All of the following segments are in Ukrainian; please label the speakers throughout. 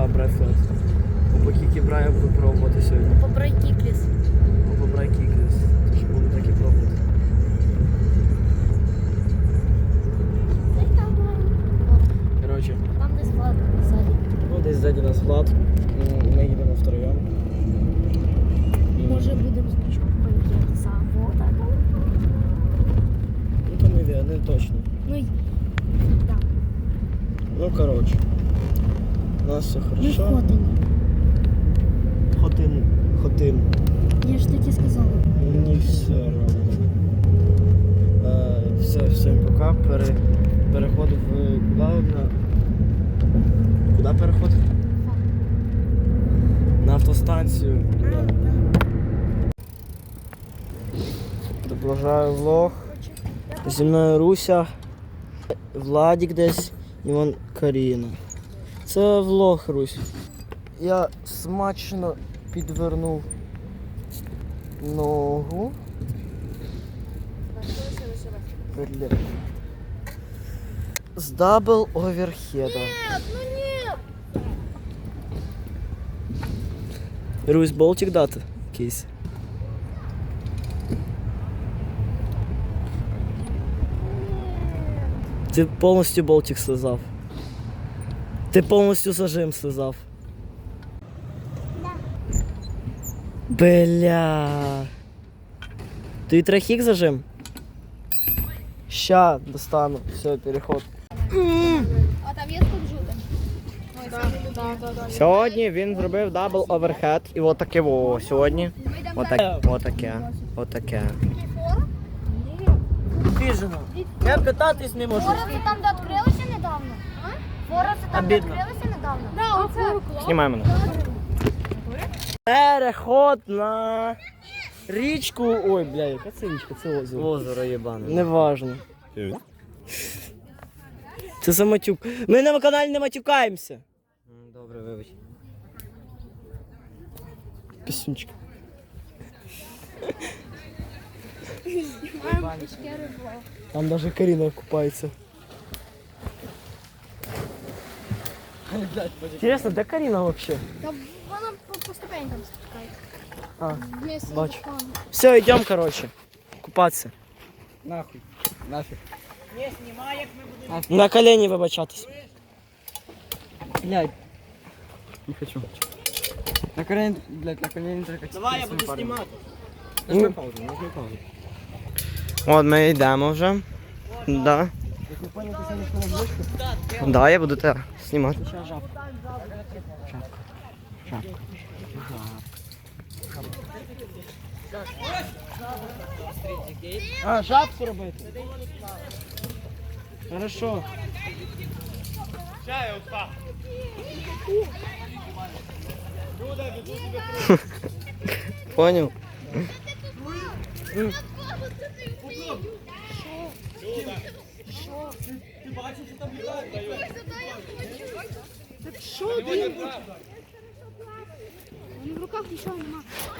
Speaker 1: Брайфлет. Опа, браю випробувати сьогодні.
Speaker 2: Побрай кікліс.
Speaker 1: Побрай кікліс. Тож буду так і пробувати. Коротше.
Speaker 2: Там десь Влад ззаді.
Speaker 1: Ну, десь ззаді нас Влад. Ми їдемо втроєм.
Speaker 2: Може будемо спочатку поїхати завода.
Speaker 1: Ну, то не точно.
Speaker 2: Ну, так.
Speaker 1: Ну, коротше. У нас все
Speaker 2: Ми
Speaker 1: хорошо.
Speaker 2: ходимо.
Speaker 1: Хотим.
Speaker 2: Я ж таки сказала.
Speaker 1: Мені все равно. Все, всім пока. Переходив куди переходив? На автостанцію. Продовжую влог. Зі мною Руся, Владик десь і вон Каріна. Це влог, Русь. Я смачно підвернув ногу. Бля. З дабл оверхеда. Русь, болтик дати? Кейс. Ти повністю болтик слизав. Ти повністю зажим слизав. Бля. Ти трахік зажим? Ща достану. Все, переход.
Speaker 2: А там є скунжути?
Speaker 1: Сьогодні він зробив дабл оверхед. І отаке во сьогодні. Отаке. Біжено. Я питатись не можу.
Speaker 2: Вороси там, де відкрилися недавно? Вороси там, де відкрилися недавно? Да, оце.
Speaker 1: Знімай мене. Переход на річку. Ой, бля, яка це річка? Це озеро.
Speaker 3: Озеро єбане.
Speaker 1: Неважно. Це за матюк. Ми на каналі не матюкаємося.
Speaker 3: Добре, вибач.
Speaker 1: Пісюнчик. Там даже Карина купается. Интересно, де Карина вообще?
Speaker 2: Та вона по ступенькам спускає.
Speaker 1: А,
Speaker 2: Вместе
Speaker 1: бачу.
Speaker 2: з руками.
Speaker 1: Все, идем, короче, купаться.
Speaker 3: Нахуй. Нафиг.
Speaker 1: На колени вибачатись.
Speaker 3: Блядь. Не хочу. На колени, блядь, на колени только.
Speaker 1: Давай, я буду знімати.
Speaker 3: Нажми паузу, нажми паузу.
Speaker 1: От ми йдемо вже. Да. Да, я буду тебе знімати. А, жабку робити? Хорошо. Понял?
Speaker 2: Що, блін? В руках нічого нема.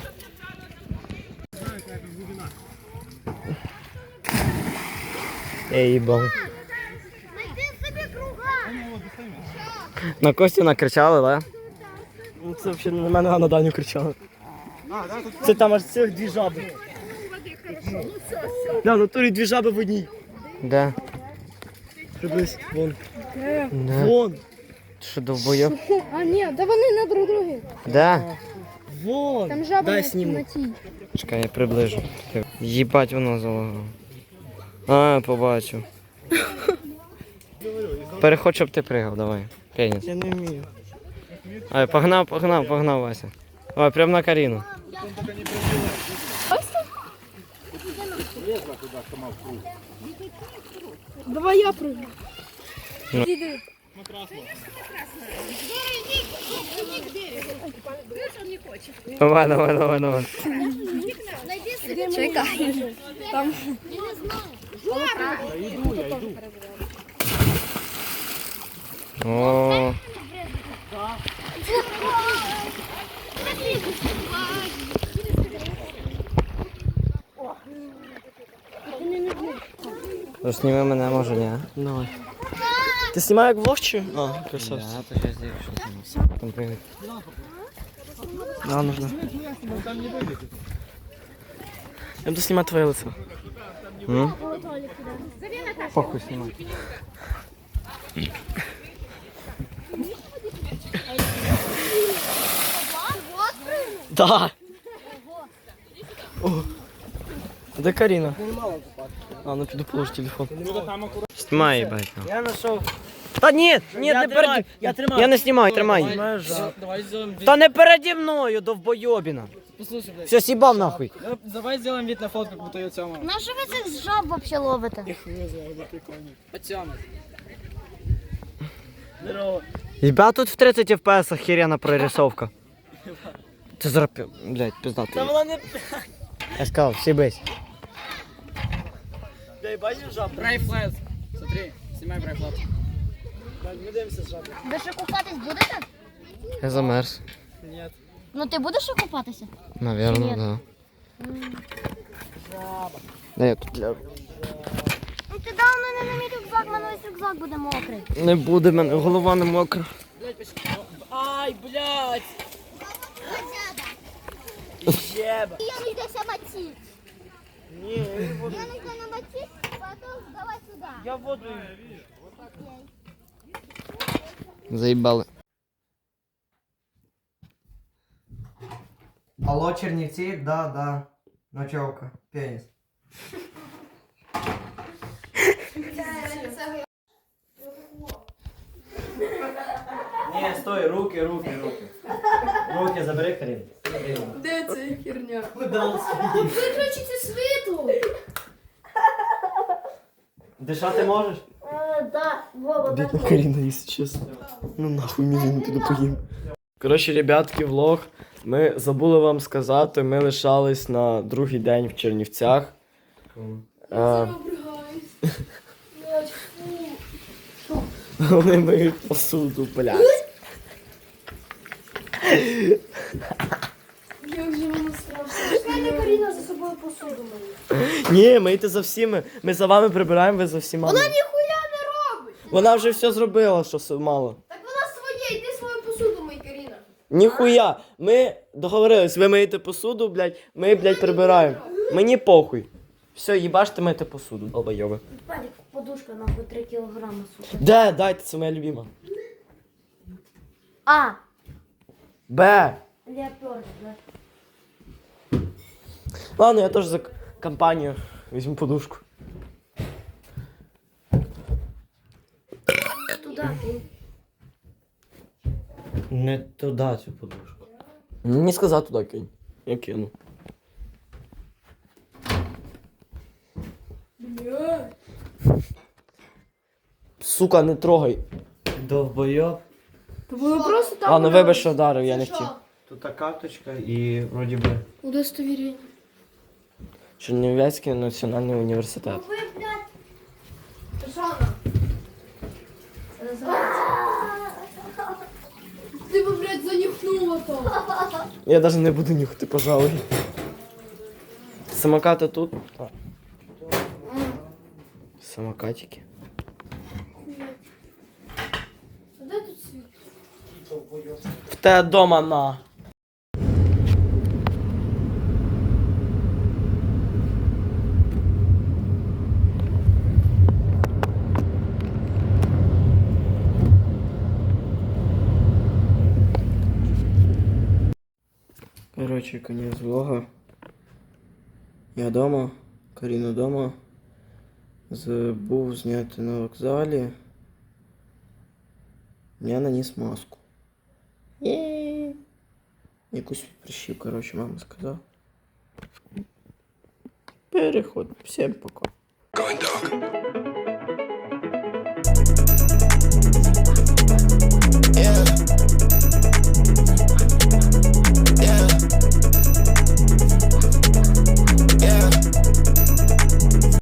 Speaker 1: Я їбав.
Speaker 2: Найди собі круга.
Speaker 1: На Костю накричали, да? Ну, це взагалі на мене, а на Даню кричали. Це там аж цих дві жаби. Да, в натурі дві жаби в одній.
Speaker 3: Да.
Speaker 1: Приблизь, вон.
Speaker 3: Да.
Speaker 1: Вон.
Speaker 3: Ти що, довбойоб?
Speaker 2: А, ні, да вони на друг друге.
Speaker 3: Да.
Speaker 1: Вон.
Speaker 2: Там жаба
Speaker 1: Дай
Speaker 2: на
Speaker 1: сніму.
Speaker 2: темноті.
Speaker 3: Чекай, я приближу. Їбать воно залагало. А, побачу. Переходь, щоб ти пригав, давай. Пеніс.
Speaker 1: Я не вмію.
Speaker 3: Ай, погнав, Вася. Ой, прям на Каріну.
Speaker 2: Давай я прыгну.
Speaker 3: Ну.
Speaker 2: Іди.
Speaker 3: Давай.
Speaker 2: Чекай. Там.
Speaker 3: О,
Speaker 1: Ну,
Speaker 3: зніми мене, може, ні?
Speaker 1: Давай. Ти знімаєш як влог чи? А, красавці.
Speaker 3: Да, то сейчас здесь что там. Там привет.
Speaker 1: Да, нужно. Я буду снимать твое лицо.
Speaker 3: Похуй снимай.
Speaker 1: Да. О. Де Каріна? А, ну піду положу телефон.
Speaker 3: Снимай, ебать. ну.
Speaker 1: Я знайшов.
Speaker 3: Та ні, ні,
Speaker 1: Я
Speaker 3: не переді.
Speaker 1: я тримаю.
Speaker 3: Я не знімаю, тримай.
Speaker 1: Знімаю жаб.
Speaker 4: Давай сделаем вид.
Speaker 3: Та не переді мною, довбойобіна.
Speaker 4: Послушай, блядь.
Speaker 3: Все, с'їбав нахуй.
Speaker 4: Давай сделаем вид на фотку, как будто ее Тёма.
Speaker 2: На що ви цих жаб вообще ловите?
Speaker 4: Тёма.
Speaker 1: Здорово.
Speaker 3: Ебать, тут в 30 FPS охерена прорисовка. Це зараз, блядь,
Speaker 1: Та
Speaker 3: пиздато.
Speaker 1: вона не...
Speaker 3: Я сказав, сібись.
Speaker 1: Дай бачиш жаб?
Speaker 4: Брайфлет. Смотри, снимай брайфлет.
Speaker 1: Ми дивимося з жаб.
Speaker 2: Ви ще купатись будете?
Speaker 3: Я замерз.
Speaker 1: Ні.
Speaker 2: Ну ти будеш ще купатися?
Speaker 3: Наверно,
Speaker 2: Ні.
Speaker 3: да. Да, я тут ляжу.
Speaker 2: Ну ти дав мене на мій рюкзак, мене весь рюкзак буде мокрий.
Speaker 3: Не буде мене, голова не мокра.
Speaker 1: Ай, блядь! Жеба.
Speaker 2: Я не йдеся мочити.
Speaker 1: Ні, я не буду.
Speaker 2: Я не йду на мочити, потім давай сюди.
Speaker 1: Я воду.
Speaker 3: Заїбали. Алло, Чернівці? Да, да. Ночевка. Пеніс.
Speaker 1: Ні, стой, руки. Руки забери, Карін.
Speaker 5: Де це херня?
Speaker 1: Куда
Speaker 5: Виключите світло!
Speaker 1: Дишати можеш?
Speaker 2: Да, Вова,
Speaker 1: Бідна Каріна, якщо чесно. Ну нахуй мені не піду поїм. Коротше, ребятки, влог. Ми забули вам сказати, ми лишались на другий день в Чернівцях. Вони миють посуду, блядь.
Speaker 5: Як же воно страшно. Чекайте, Каріна за собою посуду мої.
Speaker 1: Ні, мийте за всіми. Ми за вами прибираємо, ви за всіма.
Speaker 5: Вона ніхуя не робить!
Speaker 1: Вона вже все зробила, що мало.
Speaker 5: Так вона своє, йди свою посуду мий, Каріна.
Speaker 1: Ніхуя. Ми договорились, ви миєте посуду, блядь, ми, блядь, прибираємо. Мені похуй. Все, їбаште мити посуду, долбойови.
Speaker 2: Палік, подушка нахуй 3 кілограми, сука.
Speaker 1: Де? Дайте, це моя любима.
Speaker 2: А,
Speaker 1: Б.
Speaker 2: леопард, да.
Speaker 1: Ладно, я теж за компанію візьму подушку.
Speaker 2: Туда, кинь.
Speaker 3: Не туди цю подушку.
Speaker 1: Не сказав туди кинь. Я кину.
Speaker 5: Бля.
Speaker 1: Сука, не трогай.
Speaker 3: Довбойоб.
Speaker 5: То було просто так.
Speaker 1: Ладно, вибач, що вдарив, я не хотів.
Speaker 3: Тут та карточка і вроді би.
Speaker 5: Удостовірення.
Speaker 1: Чернівецький національний університет.
Speaker 2: Ви, блядь,
Speaker 5: Шана. Ти би, блядь, занюхнула то.
Speaker 1: Я навіть не буду нюхати, пожалуй. Самокати тут? Так. Самокатики.
Speaker 5: А де тут світло?
Speaker 1: В те дома на. Короче, конец влога. Я дома, Каріна дома. Забув зняти на вокзалі. Я наніс маску. Якусь прищів, короче, мама сказала. Переходь. Всем пока.
Speaker 6: Going dark.